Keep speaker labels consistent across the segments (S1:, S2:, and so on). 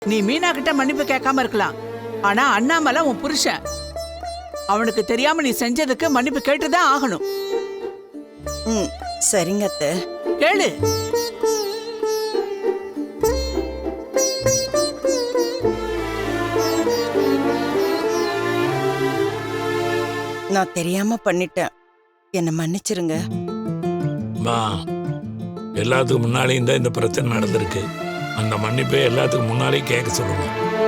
S1: நீ மீனா கிட்ட மன்னிப்பு கேட்காம இருக்கலாம், ஆனா அண்ணாமலை உன் புருஷன். அவனுக்கு தெரியாம நீ செஞ்சதுக்கு மன்னிப்பு கேட்டுதான் ஆகணும்.
S2: சரிங்க அத்தை.
S1: கேளு.
S2: நான் தெரியாம பண்ணிட்டேன், என்ன மன்னிச்சிருங்க.
S3: எல்லாத்துக்கும் முன்னாலேயும் தான் இந்த பிரச்சனை நடந்திருக்கு. அந்த மன்னிப்பை எல்லாத்துக்கும் முன்னாலேயும் கேட்க சொல்லுங்க.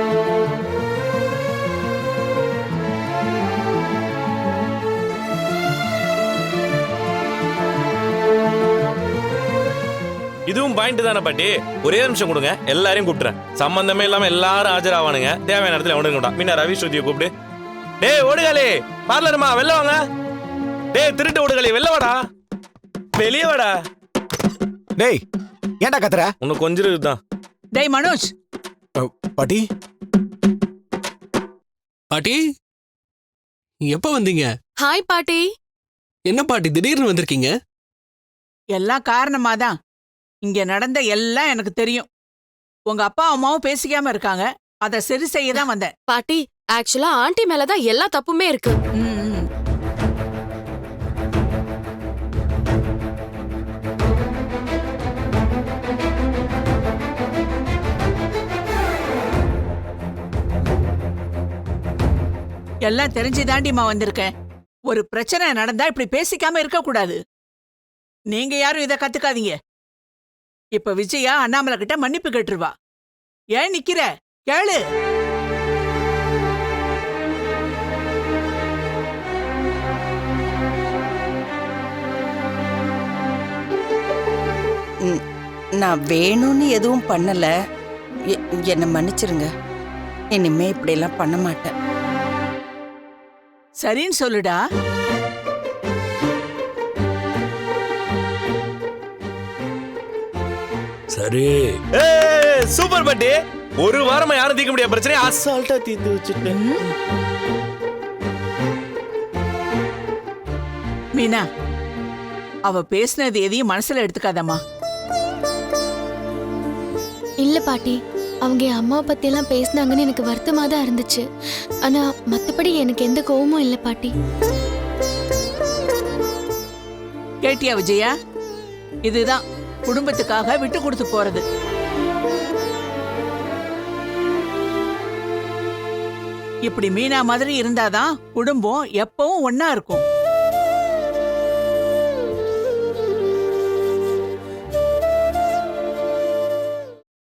S4: இதுவும் பாயிண்ட் தானே பாட்டி? ஒரே நிமிஷம் கொடுங்க, எல்லாரையும் கூப்பிட்டுறேன். சம்பந்தமே இல்லாம எல்லாரும் ஆஜராவானுங்க. தேவையான இடத்துல உடனே மீனா ரவி ஸ்ருதியை கூப்பிடு. டேய் ஓடுகாலே, பார்லருமா வெளில வாங்க. டேய் திருட்டு ஓடுகாலே, வெளில வாடா, வெளியே வாடா.
S5: டேய் ஏன்டா கத்துற?
S4: உனக்கு கொஞ்சம் இருக்குதான்.
S1: டேய் மனோஜ்.
S5: பாட்டி
S6: பாட்டி எப்ப வந்தீங்க?
S7: ஹாய் பாட்டி.
S6: என்ன பாட்டி திடீர்னு வந்திருக்கீங்க?
S1: எல்லாம் காரணமாதான். இங்க நடந்த எல்லாம் எனக்கு தெரியும். உங்க அப்பா அம்மாவும் பேசிக்காம இருக்காங்க, அதை சரி செய்ய தான் வந்தேன்.
S7: பாட்டி ஆக்சுவலா ஆண்டி மேலதான் எல்லா தப்புமே இருக்கு.
S1: எல்லாம் தெரிஞ்சுதாண்டிமா வந்திருக்கேன். ஒரு பிரச்சனை நடந்தா இப்படி பேசிக்காம இருக்க கூடாது. நீங்க யாரும் இதை கத்துக்காதீங்க. இப்ப விஜயா அண்ணாமலை கிட்ட மன்னிப்பு கேட்டுருவா. ஏன் நிக்கிற? கேளு.
S2: நான் வேணும்னு எதுவும் பண்ணல, என்ன மன்னிச்சிருங்க. இனிமே இப்படி எல்லாம் பண்ண மாட்டேன்.
S1: சரின்னு சொல்லுடா.
S3: சரி.
S4: சூப்பர் பாட்டி. ஒரு வாரமா யாரும் தீர்க்க முடியாத பிரச்சனை அசால்ட்டா தீர்த்து வச்சுட்டேன்.
S1: மீனா, அவ பேசினது எதையும் மனசுல எடுத்துக்காதம்மா.
S8: இல்ல பாட்டி, அவங்க என் அம்மாவை பத்தி எல்லாம் பேசினாங்கன்னு எனக்கு வருத்தமா தான் இருந்துச்சு. ஆனா மத்தபடி எனக்கு எந்த கோவமும் இல்ல பாட்டி.
S1: கேட்டியா விஜயா? இதுதான் குடும்பத்துக்காக விட்டு கொடுத்து போறது. இப்படி மீனா மாதிரி இருந்தாதான் குடும்பம் எப்பவும் ஒன்னா இருக்கும்.